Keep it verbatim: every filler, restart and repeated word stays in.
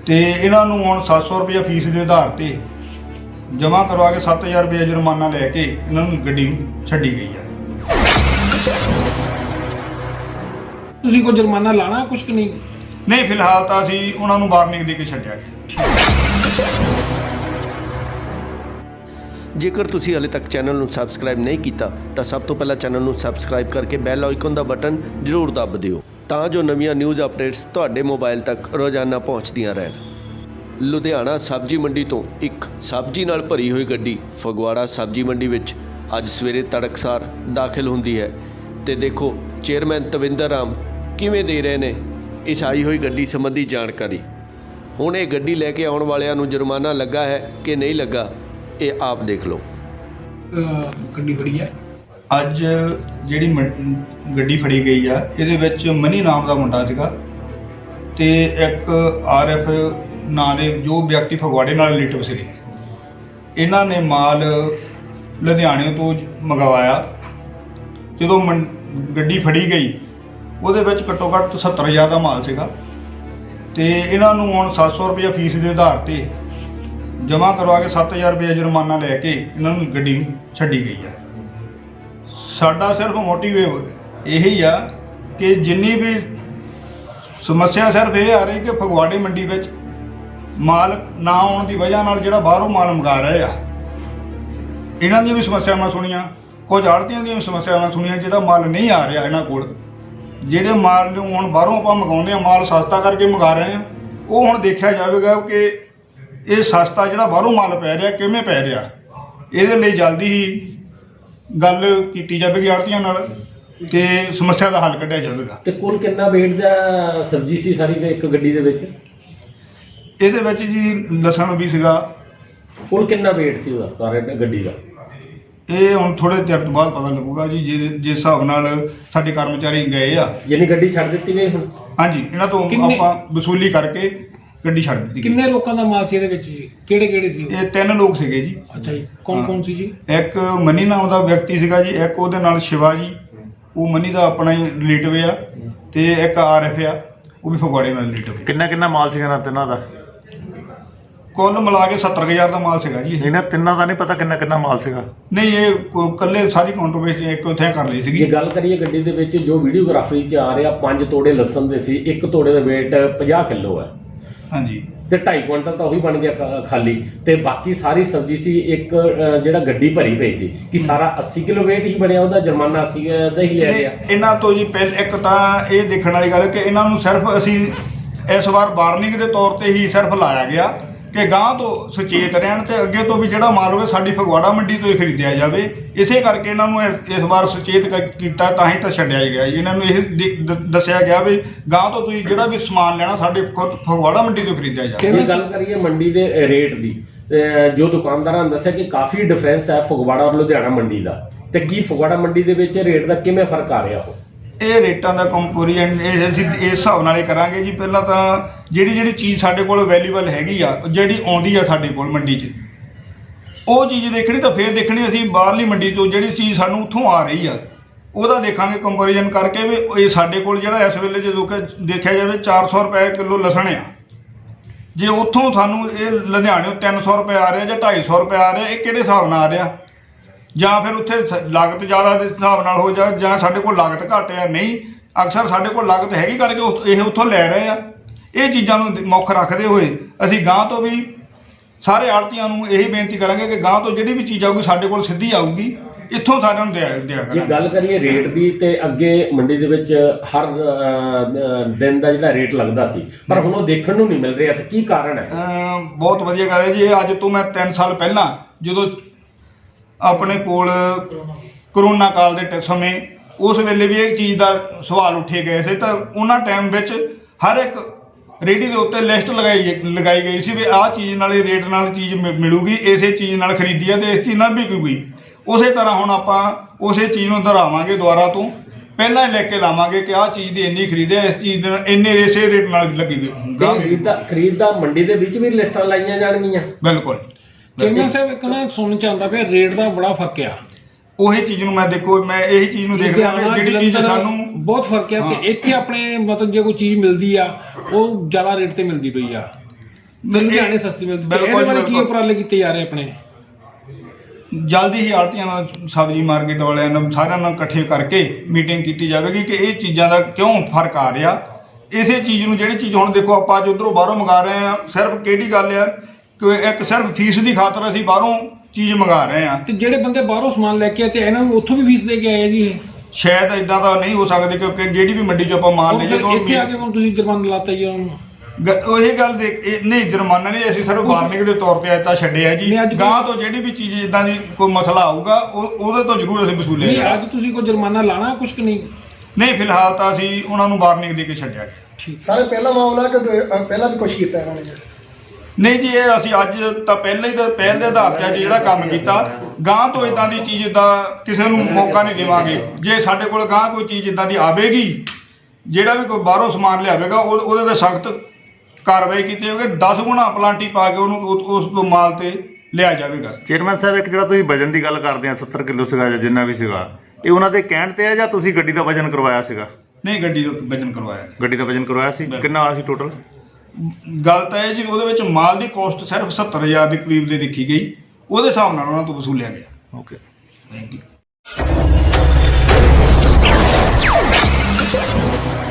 ਤੇ ਇਹਨਾਂ ਨੂੰ ਹੁਣ ਸੱਤ ਸੌ ਰੁਪਇਆ ਫੀਸ ਦੇ ਆਧਾਰ ਤੇ ਜਮ੍ਹਾਂ ਕਰਵਾ ਕੇ ਸੱਤ ਹਜ਼ਾਰ ਰੁਪਇਆ ਜੁਰਮਾਨਾ ਲੈ ਕੇ ਇਹਨਾਂ ਨੂੰ ਗੱਡੀ ਛੱਡੀ ਗਈ ਹੈ। ਤੁਸੀਂ ਕੋਈ ਜੁਰਮਾਨਾ ਲਾਣਾ ਕੁਛ ਕਿ ਨਹੀਂ? ਨਹੀਂ, ਫਿਲਹਾਲ ਤਾਂ ਅਸੀਂ ਉਹਨਾਂ ਨੂੰ ਵਾਰਨਿੰਗ ਦੇ ਕੇ ਛੱਡਿਆ ਗਿਆ। ਜੇਕਰ ਤੁਸੀਂ ਹਾਲੇ ਤੱਕ ਚੈਨਲ ਨੂੰ ਸਬਸਕ੍ਰਾਈਬ ਨਹੀਂ ਕੀਤਾ ਤਾਂ ਸਭ ਤੋਂ ਪਹਿਲਾਂ ਚੈਨਲ ਨੂੰ ਸਬਸਕ੍ਰਾਈਬ ਕਰਕੇ ਬੈਲ ਆਈਕਨ ਦਾ ਬਟਨ ਜ਼ਰੂਰ ਦੱਬ ਦਿਓ ਤਾਂ ਜੋ ਨਵੀਆਂ ਨਿਊਜ਼ ਅਪਡੇਟਸ ਤੁਹਾਡੇ ਮੋਬਾਈਲ ਤੱਕ ਰੋਜ਼ਾਨਾ ਪਹੁੰਚਦੀਆਂ ਰਹਿਣ। ਲੁਧਿਆਣਾ ਸਬਜ਼ੀ ਮੰਡੀ ਤੋਂ ਇੱਕ ਸਬਜ਼ੀ ਨਾਲ ਭਰੀ ਹੋਈ ਗੱਡੀ ਫਗਵਾੜਾ ਸਬਜ਼ੀ ਮੰਡੀ ਵਿੱਚ ਅੱਜ ਸਵੇਰੇ ਤੜਕਸਾਰ ਦਾਖਲ ਹੁੰਦੀ ਹੈ ਤੇ ਦੇਖੋ ਚੇਅਰਮੈਨ ਤਵਿੰਦਰ ਰਾਮ ਕਿਵੇਂ ਦੇ ਰਹੇ ਨੇ ਇਸ ਆਈ ਹੋਈ ਗੱਡੀ ਸੰਬੰਧੀ ਜਾਣਕਾਰੀ। ਹੁਣ ਇਹ ਗੱਡੀ ਲੈ ਕੇ ਆਉਣ ਵਾਲਿਆਂ ਨੂੰ ਜੁਰਮਾਨਾ ਲੱਗਾ ਹੈ ਕਿ ਨਹੀਂ ਲੱਗਾ ਇਹ ਆਪ ਦੇਖ ਲਓ। ਗੱਡੀ ਫੜੀ ਹੈ ਅੱਜ ਜਿਹੜੀ ਮ- ਗੱਡੀ ਫੜੀ ਗਈ ਆ ਇਹਦੇ ਵਿੱਚ ਮਨੀ ਨਾਮ ਦਾ ਮੁੰਡਾ ਸੀਗਾ ਤੇ ਇੱਕ ਆਰ ਐਫ ਨਾਂ ਦੇ ਜੋ ਵਿਅਕਤੀ ਫਗਵਾੜੇ ਨਾਲ ਰਿਲੇਟਿਵ ਸੀਗੇ। ਇਹਨਾਂ ਨੇ ਮਾਲ ਲੁਧਿਆਣੇ ਤੋਂ ਮੰਗਵਾਇਆ। ਜਦੋਂ ਮੰ- ਗੱਡੀ ਫੜੀ ਗਈ ਉਹਦੇ ਵਿੱਚ ਘੱਟੋ ਘੱਟ ਸੱਤਰ ਹਜ਼ਾਰ ਦਾ ਮਾਲ ਸੀਗਾ ਤੇ ਇਹਨਾਂ ਨੂੰ ਹੁਣ ਸੱਤ ਸੌ ਰੁਪਇਆ ਫੀਸ ਦੇ ਆਧਾਰ ਤੇ ਜਮ੍ਹਾਂ ਕਰਵਾ ਕੇ ਸੱਤ ਹਜ਼ਾਰ ਰੁਪਇਆ ਜੁਰਮਾਨਾ ਲੈ ਕੇ ਇਹਨਾਂ ਨੂੰ ਗੱਡੀ ਛੱਡੀ ਗਈ ਹੈ। ਸਾਡਾ ਸਿਰਫ ਮੋਟਿਵ ਇਹੀ ਆ ਕਿ ਜਿੰਨੀ ਵੀ ਸਮੱਸਿਆ ਸਿਰਫ ਇਹ ਆ ਰਹੀ ਕਿ ਫਗਵਾੜੇ ਮੰਡੀ ਵਿੱਚ ਮਾਲ ਨਾ ਆਉਣ ਦੀ ਵਜ੍ਹਾ ਨਾਲ ਜਿਹੜਾ ਬਾਹਰੋਂ ਮਾਲ ਮੰਗਾ ਰਹੇ ਆ ਇਹਨਾਂ ਦੀਆਂ ਵੀ ਸਮੱਸਿਆਵਾਂ ਸੁਣੀਆਂ, ਕੁਝ ਆੜ੍ਹਤੀਆਂ ਦੀਆਂ ਵੀ ਸਮੱਸਿਆਵਾਂ ਸੁਣੀਆਂ। ਜਿਹੜਾ ਮਾਲ ਨਹੀਂ ਆ ਰਿਹਾ ਇਹਨਾਂ ਕੋਲ, ਜਿਹੜੇ ਮਾਲ ਨੂੰ ਹੁਣ ਬਾਹਰੋਂ ਆਪਾਂ ਮੰਗਾਉਂਦੇ ਆ ਮਾਲ ਸਸਤਾ ਕਰਕੇ ਮੰਗਾ ਰਹੇ ਆ, ਉਹ ਹੁਣ ਦੇਖਿਆ ਜਾਵੇਗਾ ਕਿ ਇਹ ਸਸਤਾ ਜਿਹੜਾ ਬਾਹਰੋਂ ਮਾਲ ਪੈ ਰਿਹਾ ਕਿਵੇਂ ਪੈ ਰਿਹਾ। ਇਹਦੇ ਲਈ ਜਲਦੀ ਹੀ ਗੱਲ ਕੀਤੀ ਜਾਵੇਗੀ ਆੜ੍ਹਤੀਆਂ ਨਾਲ ਤੇ ਸਮੱਸਿਆ ਦਾ ਹੱਲ ਕੱਢਿਆ ਜਾਵੇਗਾ। ਤੇ ਕੁੱਲ ਕਿੰਨਾ weight ਦਾ ਸਬਜ਼ੀ ਸੀ ਸਾਰੀ ਦੇ ਇੱਕ ਗੱਡੀ ਦੇ ਵਿੱਚ? ਇਹਦੇ ਵਿੱਚ ਜੀ ਲਸਣ ਵੀ ਸੀਗਾ। ਕੁੱਲ ਕਿੰਨਾ weight ਸੀ ਉਹਦਾ ਸਾਰੇ ਗੱਡੀ ਦਾ? ਇਹ ਹੁਣ ਥੋੜੇ ਚਿਰ ਤੋਂ ਬਾਅਦ ਪਤਾ ਲੱਗੂਗਾ ਜੀ, ਜਿਸ ਜਿਸ ਹਿਸਾਬ ਨਾਲ ਸਾਡੇ ਕਰਮਚਾਰੀ ਗਏ ਆ। ਯਾਨੀ ਗੱਡੀ ਛੱਡ ਦਿੱਤੀ ਗਈ ਹੁਣ? ਹਾਂਜੀ, ਇਹਨਾਂ ਤੋਂ ਕਿੰਨੇ- ਆਪਾਂ ਵਸੂਲੀ ਕਰਕੇ ਗੱਡੀ ਛੱਡ ਦਿੱਤੀ ਗਈ। ਕਿੰਨੇ ਲੋਕਾਂ ਦਾ ਮਾਲ ਸੀ ਇਹਦੇ ਵਿੱਚ ਜੀ? ਕਿਹੜੇ ਕਿਹੜੇ ਸੀ ਉਹ? ਇਹ ਤਿੰਨ ਲੋਕ ਸੀਗੇ ਜੀ। ਅੱਛਾ ਜੀ, ਕੌਣ ਕੌਣ ਸੀ ਜੀ? ਇੱਕ ਮਨੀ ਨਾਮ ਦਾ ਵਿਅਕਤੀ ਸੀਗਾ ਜੀ, ਇੱਕ ਉਹਦੇ ਨਾਲ ਸ਼ਿਵਾ ਜੀ, ਉਹ ਮਨੀ ਦਾ ਆਪਣਾ ਹੀ ਰਿਲੇਟਿਵ ਆ, ਤੇ ਇੱਕ ਆਰ ਐਫ ਆ, ਉਹ ਵੀ ਫਗਵਾੜੇ ਨਾਲ ਰਿਲੇਟਿਵ। ਕਿੰਨਾ ਕਿੰਨਾ ਮਾਲ ਸੀਗਾ ਨਾ ਤਿੰਨਾਂ ਦਾ? ਕੁੱਲ ਮਿਲਾ ਕੇ ਸੱਤਰ ਹਜ਼ਾਰ ਦਾ ਮਾਲ ਸੀਗਾ ਜੀ ਇਹ। ਇਹਨਾਂ ਤਿੰਨਾਂ ਦਾ ਨਹੀਂ ਪਤਾ ਕਿੰਨਾ ਕਿੰਨਾ ਮਾਲ ਸੀਗਾ? ਨਹੀਂ, ਇਹ ਕੋ- ਇਕੱਲੇ ਸਾਰੀ ਕੰਟਰੋਵਰਸੀ ਇੱਕ ਉੱਥੇ ਕਰ ਲਈ ਜੇ ਸੀਗੀ। ਗੱਲ ਕਰੀਏ ਗੱਡੀ ਦੇ ਵਿੱਚ ਜੋ ਵੀਡੀਓਗ੍ਰਾਫੀ 'ਚ ਆ ਰਿਹਾ ਪੰਜ ਤੋੜੇ ਲਸਣ ਦੇ ਸੀ, ਇੱਕ ਤੋੜੇ ਦਾ weight ਪੰਜਾਹ ਕਿਲੋ ਹੈ ਹਾਂਜੀ, ਤੇ ਢਾਈ ਕੁਇੰਟਲ ਤਾਂ ਉਹੀ ਬਣ ਗਿਆ ਖਾ- ਖਾਲੀ, ਤੇ ਬਾਕੀ ਸਾਰੀ ਸਬਜ਼ੀ ਸੀ ਇੱਕ ਅ, ਜਿਹੜਾ ਗੱਡੀ ਭਰੀ ਪਈ ਸੀ ਕਿ ਸਾਰਾ ਅੱਸੀ ਕਿਲੋ weight ਹੀ ਬਣਿਆ, ਉਹਦਾ ਜੁਰਮਾਨਾ ਅੱਸੀ ਦਾ ਹੀ ਲਿਆ ਗਿਆ। ਇਹ- ਇਹਨਾਂ ਤੋਂ ਜੀ ਪਹਿਲ ਇੱਕ ਤਾਂ ਇਹ ਦੇਖਣ ਵਾਲੀ ਗੱਲ ਕਿ ਇਹਨਾਂ ਨੂੰ ਸਿਰਫ ਅਸੀਂ ਇਸ ਵਾਰ ਵਾਰਨਿੰਗ ਦੇ ਤੌਰ ਤੇ ਹੀ ਸਿਰਫ ਲਾਇਆ ਗਿਆ ਕਿ ਗਾਂਹ ਤੋਂ ਸੁਚੇਤ ਰਹਿਣ ਤੇ ਅੱਗੇ ਤੋਂ ਵੀ ਜਿਹੜਾ ਮਾਲ ਹੋਵੇ ਸਾਡੀ ਫਗਵਾੜਾ ਮੰਡੀ ਤੋਂ ਹੀ ਖਰੀਦਿਆ ਜਾਵੇ। ਇਸੇ ਕਰਕੇ ਇਹਨਾਂ ਨੂੰ ਇਸ ਇਸ ਵਾਰ ਸੁਚੇਤ ਕ- ਕੀਤਾ, ਤਾਂ ਹੀ ਤਾਂ ਛੱਡਿਆ ਗਿਆ ਜੀ। ਇਹਨਾਂ ਨੂੰ ਇਹ ਦੇ- ਦ- ਦੱਸਿਆ ਗਿਆ ਵੀ ਗਾਂਹ ਤੋਂ ਤੁਸੀਂ ਜਿਹੜਾ ਵੀ ਸਮਾਨ ਲੈਣਾ ਸਾਡੇ ਖੁਦ ਫਗਵਾੜਾ ਮੰਡੀ ਤੋਂ ਖਰੀਦਿਆ ਜਾਵੇ। ਜੇ ਗੱਲ ਕਰੀਏ ਮੰਡੀ ਦੇ ਰੇਟ ਦੀ, ਅ, ਜੋ ਦੁਕਾਨਦਾਰਾਂ ਨੇ ਦੱਸਿਆ ਕਿ ਕਾਫੀ ਡਿਫਰੈਂਸ ਹੈ ਫਗਵਾੜਾ ਔਰ ਲੁਧਿਆਣਾ ਮੰਡੀ ਦਾ, ਤੇ ਕੀ ਫਗਵਾੜਾ ਮੰਡੀ ਦੇ ਵਿੱਚ ਰੇਟ ਦਾ ਕਿਵੇਂ ਫਰਕ ਆ ਰਿਹਾ ਉਹ? ਇਹ ਰੇਟਾਂ ਦਾ ਕੰਪੈਰੀਜ਼ਨ ਇਹ ਅਸੀਂ ਇਸ ਹਿਸਾਬ ਨਾਲ ਹੀ ਕਰਾਂਗੇ ਜੀ। ਪਹਿਲਾਂ ਤਾਂ ਜਿਹੜੀ ਜਿਹੜੀ ਚੀਜ਼ ਸਾਡੇ ਕੋਲ ਅਵੇਲੇਬਲ ਹੈਗੀ ਆ, ਜਿਹੜੀ ਆਉਂਦੀ ਆ ਸਾਡੇ ਕੋਲ ਮੰਡੀ 'ਚ, ਉਹ ਚੀਜ਼ ਦੇਖਣੀ, ਤਾਂ ਫਿਰ ਦੇਖਣੀ ਅਸੀਂ ਬਾਹਰਲੀ ਮੰਡੀ ਤੋਂ ਜਿਹੜੀ ਚੀਜ਼ ਸਾਨੂੰ ਉੱਥੋਂ ਆ ਰਹੀ ਆ ਉਹਦਾ ਦੇਖਾਂਗੇ ਕੰਪੈਰੀਜ਼ਨ ਕਰਕੇ ਵੀ ਇਹ ਸਾਡੇ ਕੋਲ ਜਿਹੜਾ ਇਸ ਵੇਲੇ ਜਦੋਂ ਕਿ ਦੇਖਿਆ ਜਾਵੇ ਚਾਰ ਸੌ ਰੁਪਏ ਕਿਲੋ ਲਸਣ ਆ, ਜੇ ਉੱਥੋਂ ਸਾਨੂੰ ਇਹ ਲੁਧਿਆਣਿਓਂ ਤਿੰਨ ਸੌ ਰੁਪਏ ਆ ਰਿਹਾ ਜਾਂ ਢਾਈ ਸੌ ਰੁਪਏ ਆ ਰਿਹਾ, ਇਹ ਕਿਹੜੇ ਹਿਸਾਬ ਨਾਲ ਆ ਰਿਹਾ? ਜਾਂ ਫਿਰ ਉੱਥੇ ਸ- ਲਾਗਤ ਜ਼ਿਆਦਾ ਦੇ ਹਿਸਾਬ ਨਾਲ ਹੋ ਜਾ, ਜਾਂ ਸਾਡੇ ਕੋਲ ਲਾਗਤ ਘੱਟ ਆ। ਨਹੀਂ, ਅਕਸਰ ਸਾਡੇ ਕੋਲ ਲਾਗਤ ਹੈਗੀ ਕਰਕੇ ਉਹ- ਇਹ ਉੱਥੋਂ ਲੈ ਰਹੇ ਆ। ਇਹ ਚੀਜ਼ਾਂ ਨੂੰ ਮੁੱਖ ਰੱਖਦੇ ਹੋਏ ਅਸੀਂ ਗਾਂਹ ਤੋਂ ਵੀ ਸਾਰੇ ਆੜ੍ਹਤੀਆਂ ਨੂੰ ਇਹੀ ਬੇਨਤੀ ਕਰਾਂਗੇ ਕਿ ਗਾਂਹ ਤੋਂ ਜਿਹੜੀ ਵੀ ਚੀਜ਼ ਆਊਗੀ ਸਾਡੇ ਕੋਲ ਸਿੱਧੀ ਆਊਗੀ, ਇੱਥੋਂ ਸਾਰਿਆਂ ਨੂੰ ਦਿਆ ਦਿਆ ਜੇ ਕਰਾਂਗੇ। ਗੱਲ ਕਰੀਏ ਰੇਟ ਦੀ, ਤੇ ਅੱਗੇ ਮੰਡੀ ਦੇ ਵਿੱਚ ਹਰ ਅ, ਦਿਨ ਦਾ ਜਿਹੜਾ ਰੇਟ ਲੱਗਦਾ ਸੀ, ਪਰ ਹੁਣ ਉਹ ਦੇਖਣ ਨੂੰ ਨਹੀਂ ਮਿਲ ਰਿਹਾ, ਤੇ ਕੀ ਕਾਰਨ ਹੈ? ਅਮ ਬਹੁਤ ਵਧੀਆ ਗੱਲ ਹੈ ਜੀ। ਇਹ ਅੱਜ ਤੋਂ ਮੈਂ ਤਿੰਨ ਸਾਲ ਪਹਿਲਾਂ ਜਦੋਂ ਆਪਣੇ ਕੋਲ ਕਰੋਨਾ ਕਾਲ ਦੇ ਟ- ਸਮੇਂ ਉਸ ਵੇਲੇ ਵੀ ਇਹ ਚੀਜ਼ ਦਾ ਸਵਾਲ ਉੱਠੇ ਗਏ ਸੀ, ਤਾਂ ਉਹਨਾਂ ਟਾਈਮ ਵਿੱਚ ਹਰ ਇੱਕ ਰੇਹੜੀ ਦੇ ਉੱਤੇ ਲਿਸਟ ਲਗਾਈ ਲਗਾਈ ਗਈ ਸੀ ਵੀ ਆਹ ਚੀਜ਼ ਨਾਲ ਇਹ ਰੇਟ ਨਾਲ ਚੀਜ਼ ਮਿ- ਮਿਲੂਗੀ, ਇਸੇ ਚੀਜ਼ ਨਾਲ ਖਰੀਦੀ ਆ ਤੇ ਇਸ ਚੀਜ਼ ਨਾਲ ਵਿਕੂਗੀ। ਉਸੇ ਤਰ੍ਹਾਂ ਹੁਣ ਆਪਾਂ ਉਸੇ ਚੀਜ਼ ਨੂੰ ਦੁਹਰਾਵਾਂਗੇ, ਦੁਬਾਰਾ ਤੋਂ ਪਹਿਲਾਂ ਹੀ ਲੈ ਕੇ ਲਾਵਾਂਗੇ ਕਿ ਆਹ ਚੀਜ਼ ਦੀ ਇੰਨੀ ਖਰੀਦਿਆ, ਇਸ ਚੀਜ਼ ਦੇ ਇੰਨੇ ਇਸੇ ਰੇਟ ਨਾਲ ਲੱਗੀ ਤੇ ਖਰੀਦ ਦਾ ਖਰੀਦ ਦਾ ਮੰਡੀ ਦੇ ਵਿੱਚ ਵੀ ਲਿਸਟਾਂ ਲਾਈਆਂ ਜਾਣਗੀਆਂ? ਬਿਲਕੁਲ। ਚੇਅਰਮੈਨ ਸਾਹਿਬ ਇੱਕ ਨਾ ਸੁਣਨ ਚ ਆਉਂਦਾ ਪਿਆ ਰੇਟ ਦਾ ਬੜਾ ਫਰਕ ਆ। ਉਹੀ ਚੀਜ਼ ਨੂੰ ਮੈਂ ਦੇਖੋ ਮੈਂ ਇਹੀ ਚੀਜ਼ ਨੂੰ ਦੇਖ ਰਿਹਾ ਲੁਧਿਆਣਾ, ਜਿਹੜੀ ਚੀਜ਼ ਜਲੰਧਰ ਸਾਨੂੰ ਬਹੁਤ ਫਰਕ ਆ, ਤੇ ਇੱਥੇ ਆਪਣੇ ਮਤਲਬ ਜੇ ਕੋਈ ਚੀਜ਼ ਮਿਲਦੀ ਆ ਉਹ ਜ਼ਿਆਦਾ ਰੇਟ ਤੇ ਮਿਲਦੀ ਪਈ ਆ। ਤੇ ਲੁਧਿਆਣੇ ਸਸਤੀ ਮਿਲਦੀ ਤੇ ਬਿਲਕੁਲ ਇਹਦੇ ਬਾਰੇ ਕੀ ਬਿਲਕੁਲ। ਉਪਰਾਲੇ ਕੀਤੇ ਜਾ ਰਹੇ ਆਪਣੇ? ਜਲਦੀ ਹੀ ਆੜਤੀਆਂ ਨਾਲ ਸਬਜ਼ੀ ਮਾਰਕੀਟ ਵਾਲਿਆਂ ਨੂੰ ਸਾਰਿਆਂ ਨਾਲ ਇਕੱਠੇ ਕਰਕੇ ਮੀਟਿੰਗ ਕੀਤੀ ਜਾਵੇਗੀ ਕਿ ਇਹ ਚੀਜ਼ਾਂ ਦਾ ਕਿਉਂ ਫਰਕ ਆ ਰਿਹਾ। ਇਸੇ ਚੀਜ਼ ਨੂੰ ਜਿਹੜੀ ਚੀਜ਼ ਹੁਣ ਦੇਖੋ ਆਪਾਂ ਅੱਜ ਉੱਧਰੋਂ ਬਾਹਰੋਂ ਮੰਗਾ ਰਹੇ ਆ, ਸਿਰਫ ਕਿਹੜੀ ਗੱਲ ਆ ਕਿ ਇੱਕ ਸਿਰਫ ਫੀਸ ਦੀ ਖਾਤਰ ਅਸੀਂ ਬਾਹਰੋਂ ਚੀਜ਼ ਮੰਗਾ ਰਹੇ ਆ। ਤੇ ਜਿਹੜੇ ਬੰਦੇ ਬਾਹਰੋਂ ਸਮਾਨ ਲੈ ਕੇ ਆਏ ਤੇ ਇਹਨਾਂ ਨੂੰ ਉੱਥੋਂ ਵੀ ਫੀਸ ਦੇ ਕੇ ਆਏ ਆ ਜੀ ਇਹ? ਸ਼ਾਇਦ ਇਦਾਂ ਦਾ ਨਹੀਂ ਹੋ ਸਕਦਾ ਕਿਉਂਕਿ ਜਿਹੜੀ ਵੀ ਮੰਡੀ 'ਚ ਆਪਾਂ ਮਾਲ ਉਹ ਲਈਏ ਫਿਰ ਤਾਂ ਇੱਥੇ ਆ ਕੇ ਹੁਣ ਤੁਸੀਂ ਜੁਰਮਾਨਾ ਲਾਤਾ ਜੀ ਉਹਨਾਂ ਨੂੰ? ਗ- ਉਹ ਇਹ ਗੱਲ ਦੇਖ ਇਹ- ਨਹੀਂ ਜੁਰਮਾਨਾ ਨਹੀਂ, ਅਸੀਂ ਸਿਰਫ ਵਾਰਨਿੰਗ ਦੇ ਤੌਰ ਤੇ ਅੱਜ ਛੱਡਿਆ ਜੀ। ਨਹੀਂ, ਅੱਜ ਕੋਈ- ਗਾਂ ਤੋਂ ਜਿਹੜੀ ਵੀ ਚੀਜ਼ ਇਦਾਂ ਦੀ ਕੋਈ ਮਸਲਾ ਆਊਗਾ ਉਹ ਉਹਦੇ ਤੋਂ ਜ਼ਰੂਰ ਅਸੀਂ ਨਹੀਂ ਵਸੂਲੇਗਾ। ਅੱਜ ਤੁਸੀਂ ਕੋਈ ਜੁਰਮਾਨਾ ਲਾਣਾ ਕੁਛ ਕਿ ਨਹੀਂ? ਨਹੀਂ ਫਿਲਹਾਲ ਤਾਂ ਅਸੀਂ ਉਹਨਾਂ ਨੂੰ ਵਾਰਨਿੰਗ ਦੇ ਕੇ ਛੱਡਿਆ ਗਿਆ। ਠੀਕ। ਸਾਰੇ ਪਹਿਲਾ ਮਾਮਲਾ ਕਿ ਦੂਏ- ਅ, ਪਹਿਲਾਂ ਵੀ ਕੁਛ ਕੀਤਾ ਇਹਨਾਂ ਨੇ ਜੀ? ਨਹੀਂ ਜੀ ਇਹ ਅਸੀਂ ਅੱਜ ਤਾਂ ਪਹਿਲਾਂ ਹੀ ਤਾਂ ਪਹਿਲ ਦੇ ਆਧਾਰ ਤੇ ਅੱਜ ਜਿਹੜਾ ਕੰਮ ਕੀਤਾ, ਗਾਂ ਤੋਂ ਇਦਾਂ ਦੀ ਚੀਜ਼ ਦਾ ਕਿਸੇ ਨੂੰ ਮੌਕਾ ਨਹੀਂ ਦੇਵਾਂਗੇ। ਜੇ ਸਾਡੇ ਕੋਲ ਗਾਂ ਕੋਈ ਚੀਜ਼ ਇਦਾਂ ਦੀ ਆਵੇਗੀ, ਜਿਹੜਾ ਵੀ ਕੋਈ ਬਾਹਰੋਂ ਸਮਾਨ ਲਿਆਵੇਗਾ ਉਹ- ਉਹਦੇ ਤੇ ਸਖਤ ਕਾਰਵਾਈ ਕੀਤੀ ਜਾਵੇਗੀ। ਦਸ ਗੁਣਾ ਪਲਾਂਟੀ ਪਾ ਕੇ ਉਹਨੂੰ ਉਹ- ਉਸ ਤੋਂ ਮਾਲ ਤੇ ਲਿਆ ਜਾਵੇਗਾ। ਚੇਅਰਮੈਨ ਸਾਹਿਬ ਇੱਕ ਜਿਹੜਾ ਤੁਸੀਂ ਵਜਨ ਦੀ ਗੱਲ ਕਰਦੇ ਆ ਸੱਤਰ ਕਿਲੋ ਸੀਗਾ ਜਾਂ ਜਿੰਨਾ ਵੀ ਸੀਗਾ, ਇਹ ਉਹਨਾਂ ਦੇ ਕਹਿਣ ਤੇ ਆ ਜਾਂ ਤੁਸੀਂ ਗੱਡੀ ਦਾ ਵਜਨ ਕਰਵਾਇਆ ਸੀਗਾ? ਨਹੀਂ ਗੱਡੀ ਦਾ ਵਜਨ ਕਰਵਾਇਆ। ਗੱਡੀ ਦਾ ਵਜਨ ਕਰਵਾਇਆ ਸੀ, ਕਿੰਨਾ ਆਇਆ ਸੀ ਟੋਟਲ? ਗੱਲ ਤਾਂ ਇਹ ਜੀ ਉਹਦੇ ਵਿੱਚ ਮਾਲ ਦੀ ਕੋਸਟ ਸਿਰਫ ਸੱਤਰ ਹਜ਼ਾਰ ਦੇ ਕਰੀਬ ਦੇ ਦੇਖੀ ਗਈ, ਉਹਦੇ ਹਿਸਾਬ ਨਾਲ ਉਹਨਾਂ ਤੋਂ ਵਸੂਲਿਆ ਗਿਆ। Okay, thank you.